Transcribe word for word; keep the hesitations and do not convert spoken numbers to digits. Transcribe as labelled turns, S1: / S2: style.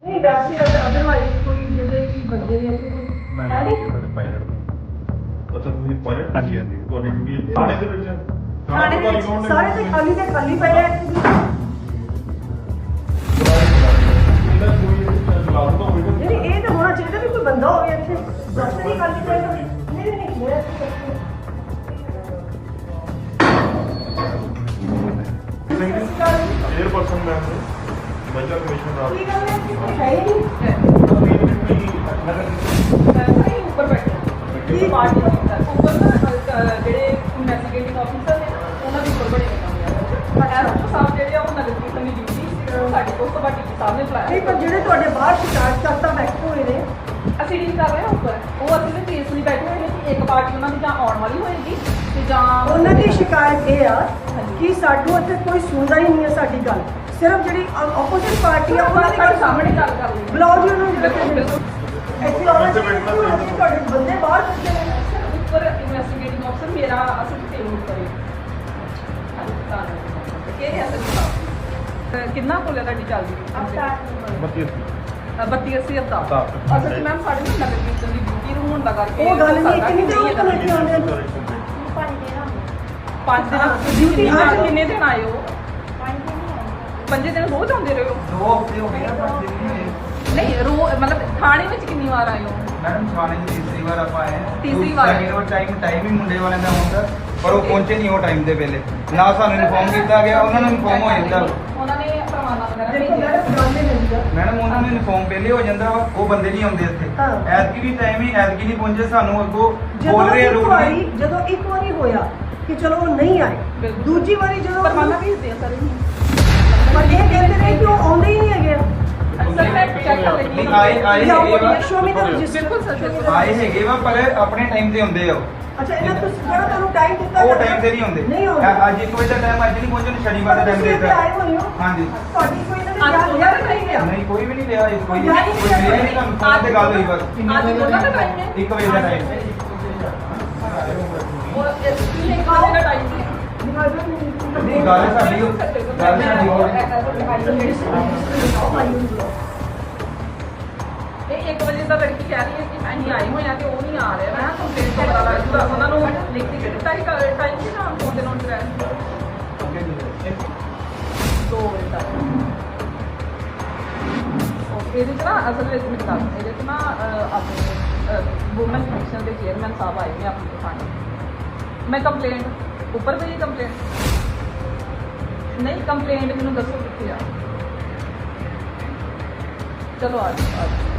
S1: नहीं वैसे अदरवाइज कोई जैसे कि बंदे ने
S2: ਮੈਂ ਨਹੀਂ ਪਾਇਲਟ
S3: ਅੱਛਾ ਤੁਸੀਂ ਪਾਇਲਟ
S2: ਹਾਂਜੀ, ਹਾਂਜੀ।
S3: ਤੁਹਾਡੀ ਡਿਊਟੀ ਥਾਣੇ ਦੇ ਵਿੱਚ
S1: थाने
S3: ਥਾਣੇ
S1: में सारे तो खाली से खाली पे है
S3: ਇਹਦਾ ਕੋਈ ਲਾਭ ਤਾਂ ਹੋਏਗਾ
S1: नहीं ये तो होना चाहिए भी कोई बंदा हो गया इतने दफ्तर ही खाली पे नहीं नहीं मेरा
S3: चेयरपर्सन मैम ने महिला कमीशन रात
S1: ठीक है कि है ही नहीं
S4: नहीं ऊपर बैठे की पार्टी ऊपर ना ਜਿਹੜੇ ਇਨਵੈਸਟੀਗੇਟਿੰਗ ਆਫੀਸਰ ਨੇ ਨਾ ਉਹਨਾਂ ਦੇ ਉੱਪਰ ਬੜੇ ਕੰਮ ਆ ਪਰ ਐਸਓ ਸਾਹਿਬ ਜਿਹੜੇ ਆ ਉਹ ਨਗਰ ਕੀਰਤਨ ਦੀ ਡਿਊਟੀ ਸੀ ਸਾਡੇ ਕੋਲ ਤੋਂ ਬਾਕੀ ਸਾਹਿਬ ਨੇ
S1: नहीं
S4: ਬੁਲਾਇਆ
S1: पर ਜਿਹੜੇ ਤੁਹਾਡੇ ਬਾਹਰ ਸ਼ਿਕਾਇਤ ਕਰਤਾ ਬੈਠੇ ਹੋਏ ਨੇ
S4: ਅਸੀਂ ਡੀਲ ਕਰ ਰਹੇ ਹਾਂ ਉੱਪਰ ਉਹ ਅਸੀਂ ਵੀ ਕੇਸ ਲਈ ਬੈਠੇ ਹੋਏ ਨੇ ਕਿ ਇੱਕ ਪਾਰਟੀ ਉਹਨਾਂ ਦੀ ਜਾਂ ਆਉਣ ਵਾਲੀ ਹੋਏਗੀ ਤੇ ਜਾਂ
S1: ਉਹਨਾਂ ਦੀ ਸ਼ਿਕਾਇਤ ਇਹ ਆ ਕਿ ਸਾਡੂ ਇੱਥੇ ਕੋਈ ਸੁਣਦਾ ਹੀ ਨਹੀਂ ਹੈ ਸਾਡੀ ਗੱਲ ਸਿਰਫ ਜਿਹੜੀ ਆਪੋਜ਼ਿਟ ਪਾਰਟੀ ਆ ਉਹਨਾਂ ਦੀ ਗੱਲ
S4: ਸਾਹਮਣੇ ਗੱਲ ਕਰ ਲਈ
S1: ਬੁਲਾਓ ਜੀ ਉਹਨਾਂ ਨੂੰ
S4: ਬਿਲਕੁਲ ਬਿਲਕੁਲ
S1: ਇੱਥੇ ਆਉਣਾ ਚਾਹੀਦਾ ਤੁਹਾਡੇ ਬੰਦੇ ਬਾਹਰ ਬੈਠੇ ਨੇ
S4: ਉੱਪਰ ਇਨਵੈਸਟੀਗੇਟਿੰਗ ਆਫੀਸਰ ਮੇਰਾ ਅਸੀਂ ਟੀਮ ਉੱਪਰ ਹੈ ਕਿ ਹੈ ਸਰ ਕਿੰਨਾ ਕੋਲੇ ਤੁਹਾਡੀ ਚੱਲਦੀ
S2: ਬੱਤੀ
S4: ਬੱਤੀ ਅੱਸੀ ਹਜ਼ਾਰ
S2: ਹਫ਼ਤਾ।
S4: ਅਸਲ 'ਚ ਮੈਮ ਸਾਡੇ ਨਾ ਨਗਰ ਕੀਰਤਨ ਦੀ ਡਿਊਟੀ ਨੂੰ ਹੋਣ ਦਾ ਕਰਕੇ
S1: ਉਹ ਗੱਲ ਨਹੀਂ ਕਿੰਨੀ ਦੇਰ ਹੋ ਗਈ ਆਉਂਦੇ ਨੂੰ
S4: ਪੰਜ ਦਿਨ
S1: ਡਿਊਟੀ
S4: ਅੱਜ ਕਿੰਨੇ ਦਿਨ ਆਏ ਹੋ ਪੰਜੇ ਦਿਨ ਰੋਜ਼ ਆਉਂਦੇ ਰਹੇ ਹੋ
S5: ਦੋ ਹਫ਼ਤੇ ਹੋ ਗਏ ਆ ਪਰ ਦਿਨ ਨਹੀਂ ਹੋਏ।
S4: ਨਹੀਂ ਰੋ ਮਤਲਬ ਥਾਣੇ ਵਿੱਚ ਕਿੰਨੀ ਵਾਰ ਆਏ ਹੋ
S5: ਮੈਡਮ ਥਾਣੇ ਦੀ ਤੀਸਰੀ ਵਾਰ ਆਪਾਂ ਆਏ ਹਾਂ
S4: ਤੀਸਰੀ ਵਾਰ।
S5: ਸੈਕਿੰਡ ਟਾਈਮ ਟਾਈਮ ਹੀ ਮੁੰਡੇ ਵਾਲਿਆਂ ਦਾ ਹੁੰਦਾ ਪਰ ਉਹ ਪਹੁੰਚੇ ਨਹੀਂ ਉਹ ਟਾਈਮ ਦੇ ਵੇਲੇ ਨਾ ਸਾਨੂੰ ਇਨਫੋਰਮ ਕੀਤਾ ਗਿਆ ਉਹਨਾਂ ਨੂੰ ਇਨਫੋਰਮ ਹੋ ਜਾਂਦਾ
S4: ਉਹਨਾਂ ਨੇ ਪਰਵਾਨਾ ਵਗੈਰਾ
S1: ਦੇਖੋ
S4: ਭੇਜਿਆ
S1: ਮੈਡਮ ਗੱਲ ਨਹੀਂ ਹੁੰਦੀ
S5: ਮੈਡਮ ਉਹਨਾਂ ਨੂੰ ਇਨਫੋਰਮ ਪਹਿਲੇ ਹੋ ਜਾਂਦਾ ਵਾ ਉਹ ਬੰਦੇ ਨਹੀਂ ਆਉਂਦੇ ਇੱਥੇ
S1: ਹਾਂ।
S5: ਐਤਕੀ ਵੀ ਟਾਈਮ ਹੀ ਐਤਕੀ ਨਹੀਂ ਪਹੁੰਚੇ ਸਾਨੂੰ ਅੱਗੋਂ
S1: ਜਦੋਂ
S5: ਬੋਲ ਰਹੇ
S1: ਇੱਕ
S5: ਲੋਕ
S1: ਵਾਰੀ
S5: ਨਹੀਂ
S1: ਜਦੋਂ ਇੱਕ ਵਾਰੀ ਹੋਇਆ ਕਿ ਚਲੋ ਉਹ ਨਹੀਂ ਆਏ
S4: ਬਿਲਕੁਲ।
S1: ਦੂਜੀ ਵਾਰੀ ਜਦੋਂ
S4: ਪਰਵਾਨਾ ਭੇਜਦੇ ਆ ਸਰ
S1: ਪਰ ਇਹ ਕਹਿੰਦੇ ਨੇ ਕਿ ਉਹ ਆਉਂਦੇ ਹੀ ਨਹੀਂ ਹੈਗੇ
S4: ਸਰ ਮੈਂ ਚੈੱਕ ਕਰ ਲੈਂਦੀ
S5: ਨਹੀਂ, ਆਏ ਆਏ
S1: ਲਿਆਓ
S5: ਹੈਗੇ ਵਾ
S1: ਸ਼ੋ ਮੀ ਦਾ ਰਜਿਸਟਰ
S4: ਬਿਲਕੁਲ ਸਰ, ਬਿਲਕੁਲ।
S5: ਆਏ ਹੈਗੇ ਵਾ ਪਰ ਆਪਣੇ ਟਾਈਮ ਤੇ ਹੁੰਦੇ ਆ ਉਹ।
S1: ਅੱਛਾ ਇਹਨਾਂ ਤੁਸੀਂ ਜਿਹੜਾ ਤੁਹਾਨੂੰ ਟਾਈਮ ਦਿੱਤਾ
S5: ਉਹ
S1: ਜਾਂਦਾ,
S5: ਟਾਈਮ ਤੇ ਨਹੀਂ ਹੁੰਦੇ
S1: ਨਹੀਂ ਆਉਂਦੇ
S5: ਅ- ਅੱਜ ਇੱਕ ਵਜੇ ਦਾ ਟਾਈਮ ਅੱਜ ਨਹੀਂ ਪਹੁੰਚੇ ਸ਼ਨੀਵਾਰ ਦਾ ਟਾਈਮ
S1: ਤੁਸੀਂ ਇੱਥੇ ਆਏ
S5: ਦੇਤਾ
S1: ਹੋਏ ਹੋ
S5: ਹਾਂਜੀ
S1: ਤੁਹਾਡੀ ਕੋਈ ਇਹਨਾਂ
S4: ਅੱਜ
S1: ਨੇ
S4: ਉਹਨਾਂ
S1: ਯਾਦ
S4: ਦਾ
S1: ਨਹੀਂ ਲਿਆ
S5: ਨਹੀਂ ਕੋਈ ਵੀ ਨਹੀਂ ਲਿਆ ਇਸ ਕੋਈ
S1: ਯਾਦ ਹੀ
S5: ਕੋਈ
S1: ਨਹੀਂ
S5: ਲਿਆ ਨਹੀਂ ਤੁਹਾਨੂੰ ਫੋਨ ਤੇ ਗੱਲ ਹੋਈ ਬਸ
S4: ਅੱਜ ਉਹਨਾਂ ਦਾ ਟਾਈਮ ਹੈ
S5: ਇੱਕ ਵਜੇ ਦਾ ਟਾਈਮ
S4: ਉਹ ਇਸ ਲਈ ਇੱਕ ਵਜੇ ਦਾ ਟਾਈਮ ਹੈ
S5: ਨਹੀਂ ਗੱਲ ਸਾਡੀ ਉਹ- ਗੱਲ ਸਾਡੀ ਹੋਰ
S4: ਇਹ ਇੱਕ ਵਜੇ ਦਾ ਲੜਕੀ ਕਹਿ ਰਹੀ ਹੈ ਕਿ ਅਸੀਂ ਆਏ ਹੋਏ ਆ ਤੇ ਉਹ ਨਹੀਂ ਆ ਰਿਹਾ ਮੈਂ ਕੰਪਲੇਂਟ ਤੋਂ ਪਤਾ ਲੱਗ ਜੂਗਾ ਉਹਨਾਂ ਨੂੰ ਲਿਖ ਕੇ ਦਿੱਤਾ ਸੀ ਟਾਈਮ ਕਿ ਨਾ ਫੋਨ ਦੇ ਨੋਟ ਰਹਿ ਦੋ ਵਜੇ ਤੱਕ ਉਹ ਇਹਦੇ ਚ ਨਾ ਅਸਲ ਵਿੱਚ ਮੈਂ ਦੱਸ ਇਹਦੇ ਚ ਨਾ ਅਹ, ਆਪਣੇ ਵੂਮਨ ਕਮਿਸ਼ਨ ਦੇ ਚੇਅਰਮੈਨ ਸਾਹਿਬ ਆਏ ਨੇ ਆਪਣੇ ਥਾਣੇ ਮੈਂ ਕੰਪਲੇਂਟ ਉੱਪਰ ਵੀ ਕੰਪਲੇਂਟ ਨਹੀਂ ਕੰਪਲੇਂਟ ਮੈਨੂੰ ਦੱਸੋ ਕਿੱਥੇ ਆ ਚਲੋ ਆ ਜਾਓ, ਆ ਜਾਓ।